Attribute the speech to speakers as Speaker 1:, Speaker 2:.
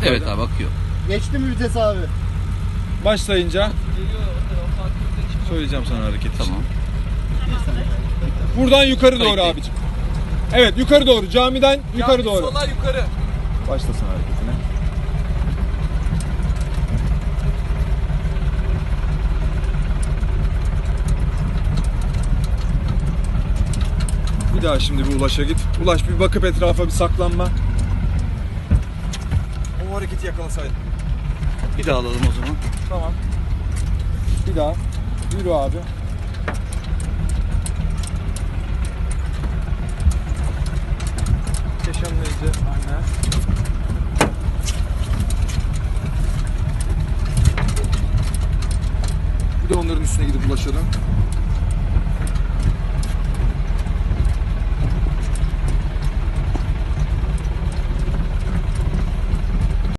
Speaker 1: Evet abi akıyor.
Speaker 2: Geçti mi vites abi?
Speaker 3: Başlayınca söyleyeceğim sana hareket için.
Speaker 1: Tamam.
Speaker 3: Buradan yukarı doğru
Speaker 1: Kayıttayım.
Speaker 3: abicim. Evet yukarı doğru. Camiden yukarı doğru.
Speaker 4: Sola yukarı.
Speaker 3: Başlasın hareketine. Bir daha şimdi bir Ulaş'a git. Ulaş bir bakıp etrafa bir saklanma. O hareketi yakalasaydın.
Speaker 1: Bir daha alalım o zaman.
Speaker 3: Tamam. Bir daha. Yürü abi. Yaşanmayınca aynen. Bir de onların üstüne gidip ulaşalım.